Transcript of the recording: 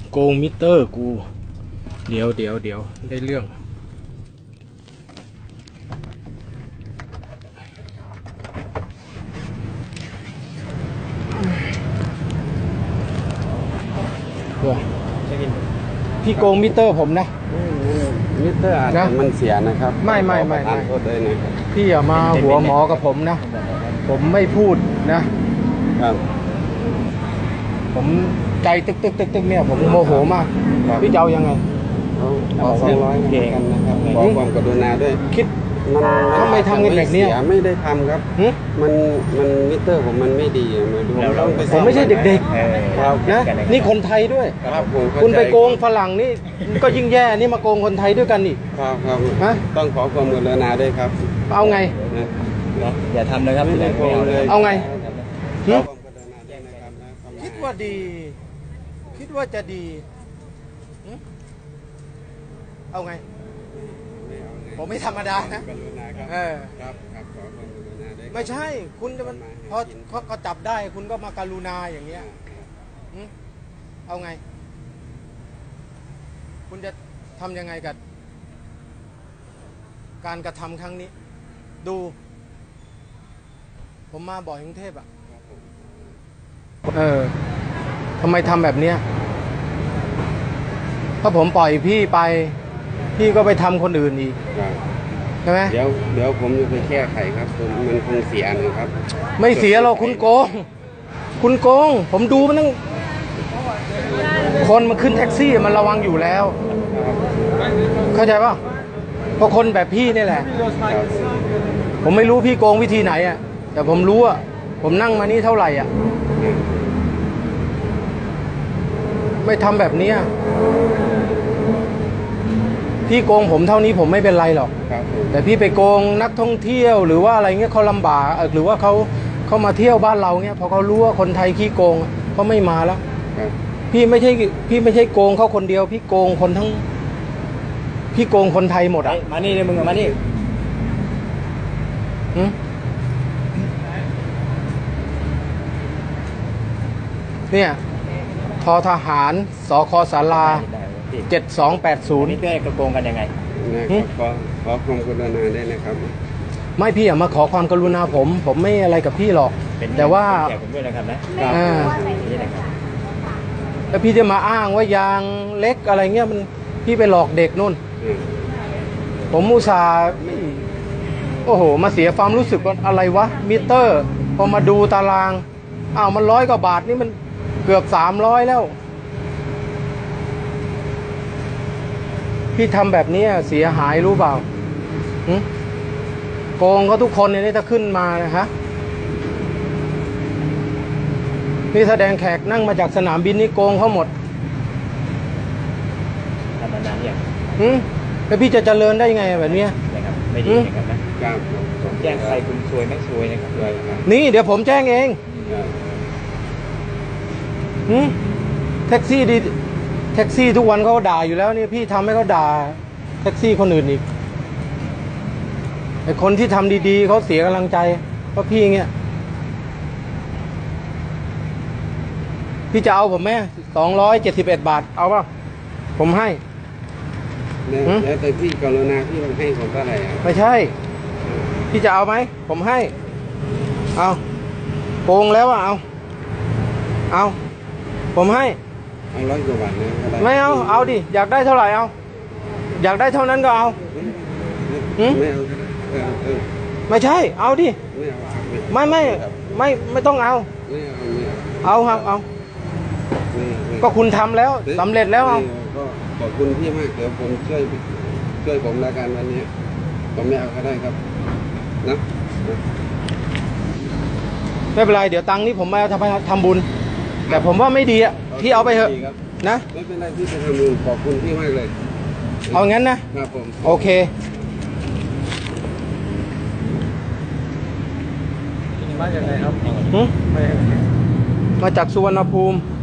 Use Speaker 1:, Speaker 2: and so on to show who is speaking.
Speaker 1: โกงมิเตอร์กูเดี๋ยวได้เรื่องพี่โกงมิเตอร์ผมนะ
Speaker 2: มิเตอร์อาจจะมันเสียนะครับ
Speaker 1: ไม่
Speaker 2: ทานโทษด้วยนะครับ
Speaker 1: พี่อย่ามาหัวหมอกับผมนะผมไม่พูดนะครับผมใจตึกเนี่ยผมโมโหมากพี่จะเอายังไง
Speaker 2: ขอ200กันนะครับขอความกรุณาด้วย
Speaker 1: คิดทำไมทำกันแบบนี้
Speaker 2: ไม่ได้ทำครับมันมิเตอร์ผมมันไม่ดี
Speaker 1: ผมไม่ใช่เด็กๆนะนี่คนไทยด้วยคุณไปโกงฝรั่งนี่ก็ยิ่งแย่นี่มาโกงคนไทยด้วยกันนี่
Speaker 2: ครับต้องขอความกรุณาด้วยครับ
Speaker 1: เอาไง
Speaker 3: อย่าทำเลยครับ
Speaker 1: เอาไงคิดว่าดีคิดว่าจะดีเอาไงผมไม่ธรรมดานะไม่ใช่คุณจะมันพอเขาจับได้คุณก็มาการุณาอย่างเงี้ยเอาไงคุณจะทำยังไงกับการกระทำครั้งนี้ดูผมมาบ่อยกรุงเทพทำไมทำแบบเนี้ยถ้าผมปล่อยพี่ไปพี่ก็ไปทำคนอื่นอีกใช่ไหม
Speaker 2: เดี๋ยวผมจะไปแก้ไขครับมันคงเสียนะครับ
Speaker 1: ไม่เสียหรอกคุณโกงผมดูมันตั้งคนมาขึ้นแท็กซี่มันระวังอยู่แล้วเข้าใจป่ะเพราะคนแบบพี่นี่แหละผมไม่รู้พี่โกงวิธีไหนแต่ผมรู้ผมนั่งมานี่เท่าไหร่ไม่ทำแบบนี้พี่โกงผมเท่านี้ผมไม่เป็นไรหรอกแต่พี่ไปโกงนักท่องเที่ยวหรือว่าอะไรเงี้ยเขาลำบากหรือว่าเขามาเที่ยวบ้านเราเงี้ยพอเขารู้ว่าคนไทยขี้โกงเขาไม่มาแล้วพี่ไม่ใช่โกงเขาคนเดียวพี่โกงคนทั้งพี่โกงคนไทยหมด
Speaker 3: มานี่เลยมึงมานี่
Speaker 1: เนี่ยทอทหารสคศาลา7280
Speaker 3: นี่เพื่อนกระโกงกันยังไง
Speaker 2: ขอความกรุณาได้นะครับ
Speaker 1: ไม่พี่มาขอความกรุณาผมไม่อะไรกับพี่หรอกแต่ว่า
Speaker 3: ผมด้วยนะครับนะ
Speaker 1: แล้วพี่จะมาอ้างว่ายางเล็กอะไรเงี้ยมันพี่ไปหลอกเด็กนู่นผมอุตส่าห์โอ้โหมาเสียความรู้สึกว่าอะไรวะมิเตอร์พอมาดูตารางมัน100 กว่าบาทนี่มันเกือบ300แล้วพี่ทำแบบนี้เสียหายรู้เปล่าโกงเขาทุกคนเนี่ยถ้าขึ้นมานะฮะนี่แสดงแขกนั่งมาจากสนามบินนี่โกงเขาหมด
Speaker 3: ทำมานานยัง
Speaker 1: แล้วพี่จะเจริญได้ยังไงแบบนี้
Speaker 3: นะครับไม่ดีนะครับนะผมแจ้งใครคุณซวยไม่ซวยนะครับ
Speaker 1: นี่เดี๋ยวผมแจ้งเองแท็กซี่ดีแท็กซี่ทุกวันเขาด่าอยู่แล้วนี่พี่ทำให้เขาด่าแท็กซี่คนอื่นอีกไอ้คนที่ทำดีๆเขาเสียกำลังใจเพราะพี่เงี้ยพี่จะเอาผมไหม271 บาทเอาป่ะผมให้
Speaker 2: แล้วแต่พี่กรุณาพี่ให้ผมเท่าไหร่
Speaker 1: ไม่ใช่พี่จะเอาไหมผมให้เอาโกงแล้วเอาผมให้
Speaker 2: 100 กว่าบาทนะ
Speaker 1: ไม่เอาดิอยากได้เท่าไหร่อยากได้เท่านั้นก็เอาไม่ใช่เอาดิไม่ต้องเอาครับเอาก็คุณทำแล้วสำเร็จแล้ว
Speaker 2: ก็ขอบคุณพี่มากเดี๋ยวผมช่วยผมละกันวันนี้ผมไม่เอาก็ได้ครับนะ
Speaker 1: ไม่เป็นไรเดี๋ยวตังค์นี้ผมมาทำบุญแต่ผมว่าไม่ดีพี่เอาไปเถอะนะ
Speaker 2: ไม่เป็นไรพี่จะทำบุญขอบคุณพี่มากเลย
Speaker 1: เอางั้นนะครับ
Speaker 2: ผม
Speaker 1: โอเค
Speaker 3: มาจากไหนครับ
Speaker 1: มาจากสุวรรณภูมิ